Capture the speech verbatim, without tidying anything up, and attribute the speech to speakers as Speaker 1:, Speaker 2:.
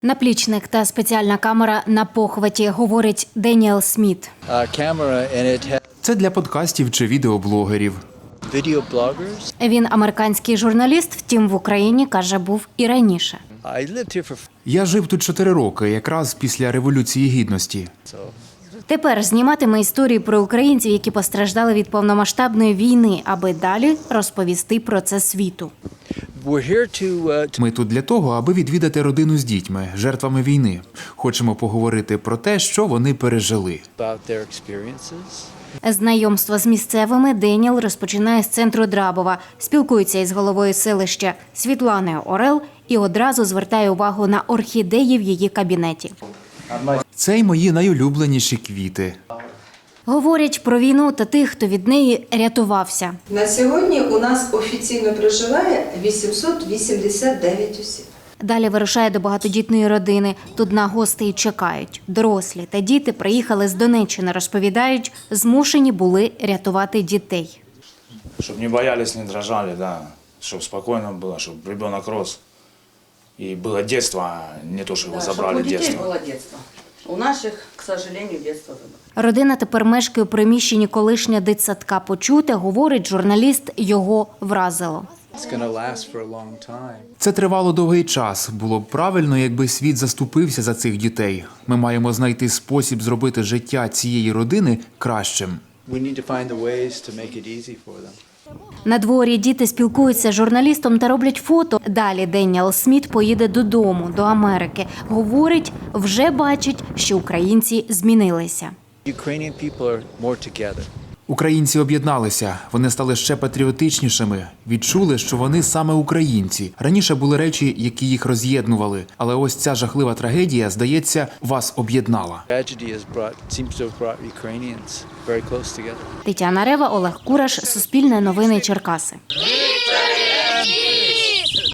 Speaker 1: Наплічник та спеціальна камера на похваті, говорить Деніел Сміт.
Speaker 2: Це для подкастів чи відеоблогерів.
Speaker 1: Він американський журналіст, втім в Україні, каже, був і раніше.
Speaker 2: Я жив тут чотири роки, якраз після Революції Гідності.
Speaker 1: Тепер зніматиме історії про українців, які постраждали від повномасштабної війни, аби далі розповісти про це світу.
Speaker 2: Ми тут для того, аби відвідати родину з дітьми, жертвами війни. Хочемо поговорити про те, що вони пережили.
Speaker 1: Знайомство з місцевими Деніел розпочинає з центру Драбова, спілкується із головою селища Світланою Орел і одразу звертає увагу на орхідеї в її кабінеті.
Speaker 2: Це й мої найулюбленіші квіти.
Speaker 1: Говорять про війну та тих, хто від неї рятувався.
Speaker 3: На сьогодні у нас офіційно проживає вісімсот вісімдесят дев'ять осіб.
Speaker 1: Далі вирушає до багатодітної родини. Тут на гостей чекають. Дорослі та діти приїхали з Донеччини, розповідають, змушені були рятувати дітей.
Speaker 4: Щоб не боялись, не дрожали, да. Щоб спокійно було, щоб ребенок рос. І було дитинство, а не то, що його
Speaker 3: Да,
Speaker 4: забрали
Speaker 3: щоб у дітей
Speaker 4: дитинство.
Speaker 3: було дитинство. У наших, к сожалению, дитинство забрали.
Speaker 1: Родина тепер мешкає у приміщенні колишнього дитсадка. Почуте, говорить журналіст, його вразило.
Speaker 2: Це тривало довгий час. Було б правильно, якби світ заступився за цих дітей. Ми маємо знайти спосіб зробити життя цієї родини кращим.
Speaker 1: На дворі діти спілкуються з журналістом та роблять фото. Далі Деніел Сміт поїде додому, до Америки. Говорить, вже бачить, що українці змінилися.
Speaker 2: Українці об'єдналися, вони стали ще патріотичнішими, відчули, що вони саме українці. Раніше були речі, які їх роз'єднували, але ось ця жахлива трагедія, здається, вас об'єднала.
Speaker 1: Тетяна Рева, Олег Кураш, Суспільне новини Черкаси.